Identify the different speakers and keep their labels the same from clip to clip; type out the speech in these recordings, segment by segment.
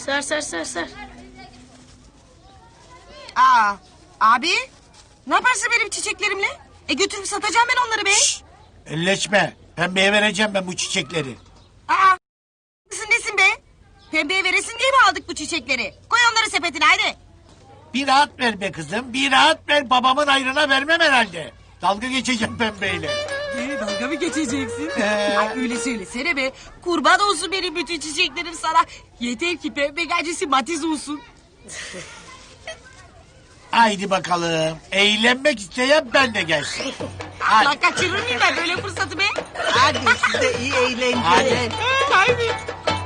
Speaker 1: Ser ser ser ser.
Speaker 2: Aa, abi ne yaparsın benim çiçeklerimle? Götürüp satacağım ben onları be.
Speaker 3: Elleşme. Pembeye vereceğim ben bu çiçekleri.
Speaker 2: Aa, kızın nesin be? Pembeye veresin diye mi aldık bu çiçekleri? Koy onları sepetine hadi.
Speaker 3: Bir rahat ver be kızım. Bir rahat ver. Babamın ayrına vermem herhalde. Dalga geçeceğim pembeyle.
Speaker 2: Dalga mı geçeceksin? Ay öyle söylesene be. Kurban olsun benim bütün çiçeklerim sana. Yeter ki pembe gacısı matiz olsun.
Speaker 3: Haydi bakalım. Eğlenmek isteyen ben de gelsin. Hadi.
Speaker 2: Lan kaçırır mıyım ben böyle fırsatı be?
Speaker 4: Hadi size iyi eğlenceler.
Speaker 3: Hadi.
Speaker 2: Haydi.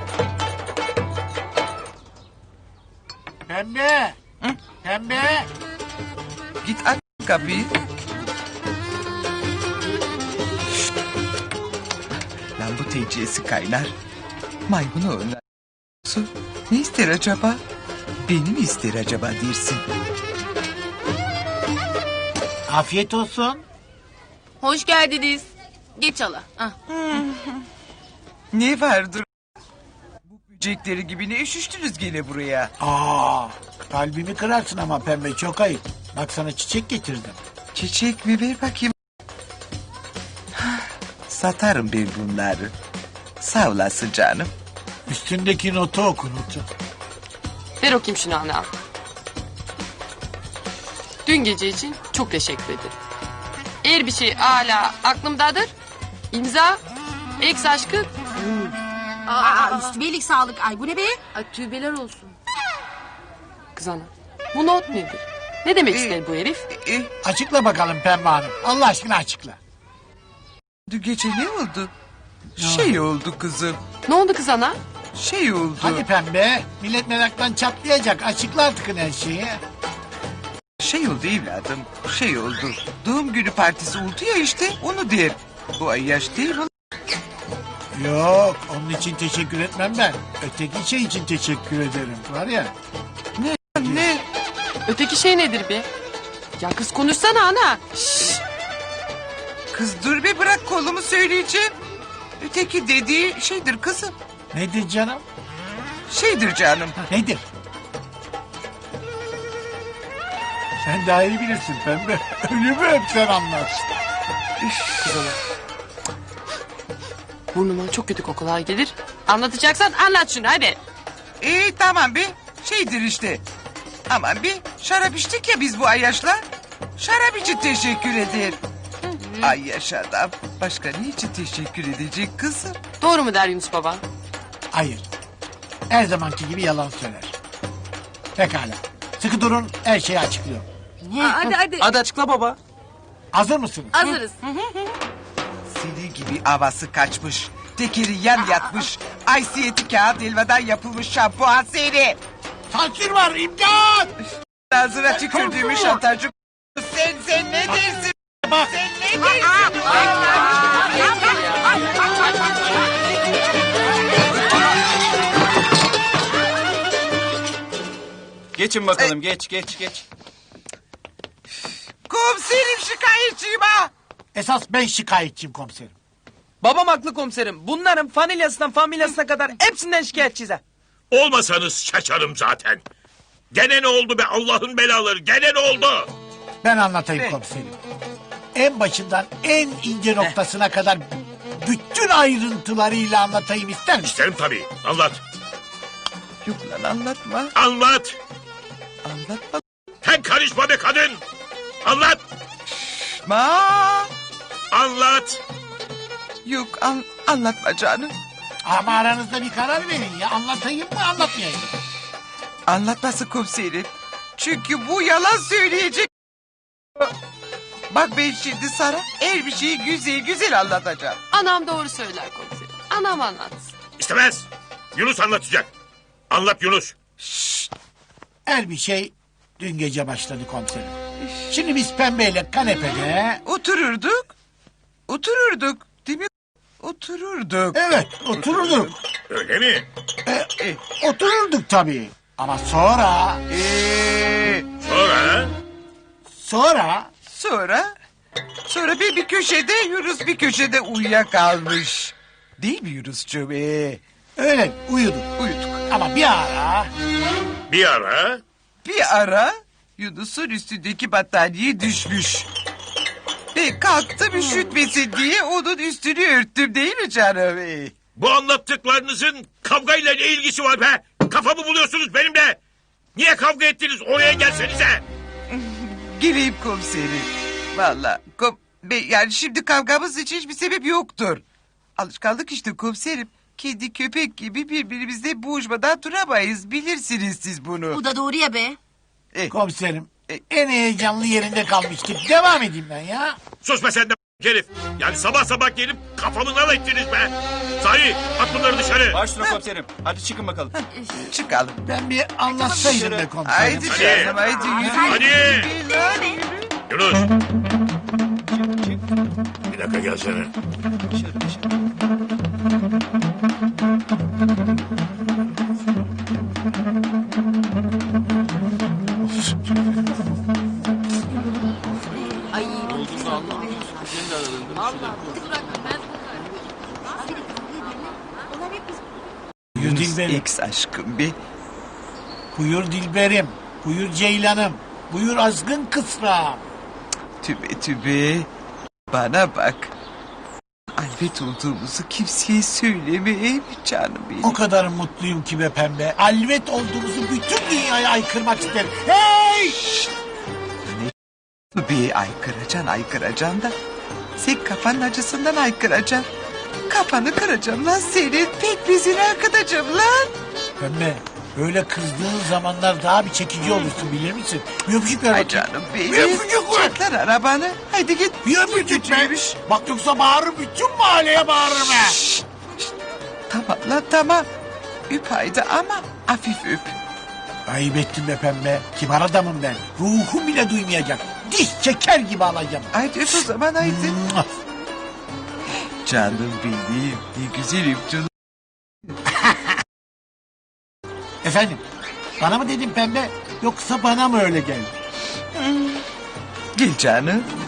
Speaker 3: Pembe. Pembe.
Speaker 4: Git aç kapıyı. Lan bu teciyesi kaynar. Maymunu oynar. Ne ister acaba? Beni mi ister acaba dersin?
Speaker 3: Afiyet olsun.
Speaker 1: Hoş geldiniz. Geç hala. Ah.
Speaker 4: Ne vardır? Bu böcekleri gibi ne üşüştünüz gene buraya?
Speaker 3: Kalbimi kırarsın ama pembe çok ayıp. Bak sana çiçek getirdim.
Speaker 4: Çiçek mi ver bakayım. Satarım ben bunları. Sağ olasın canım.
Speaker 3: Üstündeki notu oku notu.
Speaker 5: Ver okuyayım şunu ana. Dün gece için çok teşekkür ederim. Eğer bir şey hala aklımdadır. İmza, ex aşkı.
Speaker 2: Aa, üstüme iyilik sağlık. Ay bu ne be?
Speaker 1: Ay tübeler olsun.
Speaker 5: Kız ana, bu not nedir? Ne demek ister bu herif?
Speaker 3: Açıkla bakalım Pembe Hanım. Allah aşkına açıkla.
Speaker 4: Dün gece ne oldu? Şey oldu kızım.
Speaker 5: Ne oldu kız ana?
Speaker 4: Şey oldu.
Speaker 3: Hadi Pembe. Millet meraktan çatlayacak. Açıkla artık her şeyi.
Speaker 4: Şey oldu evladım. Şey oldu. Doğum günü partisi oldu ya işte. Onu der. Bu ay yaş değil mi?
Speaker 3: Yok, onun için teşekkür etmem ben. Öteki şey için teşekkür ederim. Var ya.
Speaker 4: Ne?
Speaker 5: Öteki şey nedir be? Ya kız konuşsana ana. Şşş.
Speaker 4: Kız dur bir bırak kolumu söyleyeceğim. Öteki dediği şeydir kızım.
Speaker 3: Nedir canım?
Speaker 4: Şeydir canım.
Speaker 3: Nedir? Sen daha iyi bilirsin Pembe. Ölümü hep sen anlat.
Speaker 5: Kız ana. Burnuma çok kötü kokular gelir. Anlatacaksan anlat şunu hadi.
Speaker 4: Tamam bir şeydir işte. Aman bir şarap içtik ya biz bu Ayyaş'la. Şarap için teşekkür eder. Ayyaş adam. Başka ne için teşekkür edecek kızım?
Speaker 5: Doğru mu der Yunus baban?
Speaker 3: Hayır. Her zamanki gibi yalan söyler. Pekala. Sıkı durun, her şeyi açıklıyorum.
Speaker 1: Hadi hadi.
Speaker 5: Hadi açıkla baba.
Speaker 3: Hazır mısınız?
Speaker 1: Hazırız.
Speaker 4: Senin gibi havası kaçmış. Tekeri yan yatmış. Aysiyeti kağıt elmadan yapılmış şampuan seni.
Speaker 3: Sansür var, imdat!
Speaker 4: Ağzına tükürdüğümü şantajcı. Sen ne dersin?
Speaker 3: Bak,
Speaker 4: Sen ne dersin?
Speaker 6: Geçin bakalım geç.
Speaker 4: Komiserim şikayetçiyim ha.
Speaker 3: esas ben şikayetçiyim komiserim.
Speaker 6: Babam haklı komiserim. Bunların familyasından familyasına kadar hepsinden şikayetçiyiz ha.
Speaker 7: Olmasanız şaşarım zaten. Gene ne oldu be Allah'ın belaları? Gene ne oldu?
Speaker 3: Ben anlatayım
Speaker 4: Ne?
Speaker 3: komiserim. En başından en ince noktasına kadar bütün ayrıntılarıyla anlatayım ister misin?
Speaker 7: İsterim tabii. Anlat.
Speaker 4: Yok lan anlatma.
Speaker 7: Anlat.
Speaker 4: Anlatma.
Speaker 7: Sen karışma be kadın. Anlat. Anlat.
Speaker 4: Yok anlatma canım.
Speaker 3: Ama aranızda bir karar verin ya. Anlatayım mı anlatmayayım mı?
Speaker 4: Anlatması komiserim. Çünkü bu yalan söyleyecek. Bak ben şimdi sana her bir şeyi güzel güzel anlatacağım.
Speaker 5: Anam doğru söyler komiserim. Anam anlatsın.
Speaker 7: İstemez. Yunus anlatacak. Anlat Yunus.
Speaker 3: Her bir şey dün gece başladı komiserim. Şimdi biz Pembe'yle kanepede...
Speaker 4: Otururduk. Değil mi? Otururduk.
Speaker 3: Evet otururduk.
Speaker 7: Öyle mi?
Speaker 3: Otururduk tabii. Ama sonra...
Speaker 7: Sonra?
Speaker 4: Sonra bir köşede Yunus bir köşede uyuyakalmış. Değil mi Yunuscuğum?
Speaker 3: Öyle uyuduk.
Speaker 4: Uyuduk.
Speaker 3: Ama bir ara
Speaker 7: Bir ara
Speaker 4: Yunus'un üstündeki battaniye düşmüş. Ve kalktım üşütmesin diye onun üstünü örttüm değil mi canım?
Speaker 7: bu anlattıklarınızın kavgayla ne ilgisi var be? Kafamı buluyorsunuz benimle. Niye kavga ettiniz? Oraya gelsenize.
Speaker 4: Geleyim komiserim. Valla yani şimdi kavgamız için hiçbir sebep yoktur. Alışkanlık işte komiserim. Kedi köpek gibi birbirimizle boğuşmadan duramayız. Bilirsiniz siz bunu.
Speaker 2: Bu da doğru ya be.
Speaker 3: komiserim en heyecanlı yerinde kalmıştık. Devam edeyim ben ya.
Speaker 7: Sus be sen de herif. Yani sabah sabah gelip kafamı nal ettiniz be. Sahi at bunları dışarı.
Speaker 8: Başüstüne komiserim. Hadi çıkın bakalım.
Speaker 4: Çıkalım.
Speaker 3: Ben bir anlatsaydım be komiserim.
Speaker 4: Haydi canım haydi yürü.
Speaker 7: Hadi.
Speaker 4: Yürü.
Speaker 7: Yunus. Bir dakika gelsene.
Speaker 3: Buyur Dilberim.
Speaker 4: Ex aşkım be.
Speaker 3: Buyur Dilberim. Buyur Ceylanım. Buyur azgın kısrağım.
Speaker 4: Tübe tübe. Bana bak. Albet olduğumuzu kimseye söyleme canım benim.
Speaker 3: O kadar mutluyum ki be pembe. Alvet olduğumuzu bütün dünyaya aykırmak isterim. Hey!
Speaker 4: Bir aykıracaksın da. Sen kafanın acısından aykıracaksın. Kafanı kıracağım lan senin. Pekmezini akıtacağım lan.
Speaker 3: Pembe böyle kızdığın zamanlar daha bir çekici olursun bilir misin? Bir öpücük ver
Speaker 4: Ay
Speaker 3: bakayım.
Speaker 4: canım benim.
Speaker 3: Bir öpücük ver.
Speaker 4: Çek lan arabanı. Haydi git.
Speaker 3: Bir öpücük be.
Speaker 4: Kötüymüş.
Speaker 3: Bak yoksa bağırır bütün mahalleye bağırırım ha.
Speaker 4: Tamam lan tamam. Öp haydi ama hafif öp.
Speaker 3: Ayıp ettin be pembe. Kibar adamım ben. Ruhum bile duymayacak. Diş çeker gibi alacağım.
Speaker 4: Haydi öp o zaman haydi.
Speaker 3: Mua.
Speaker 4: Canım benim. Ne güzel öptün.
Speaker 3: Efendim bana mı dedin pembe yoksa bana mı öyle geldi?
Speaker 4: Gel canım.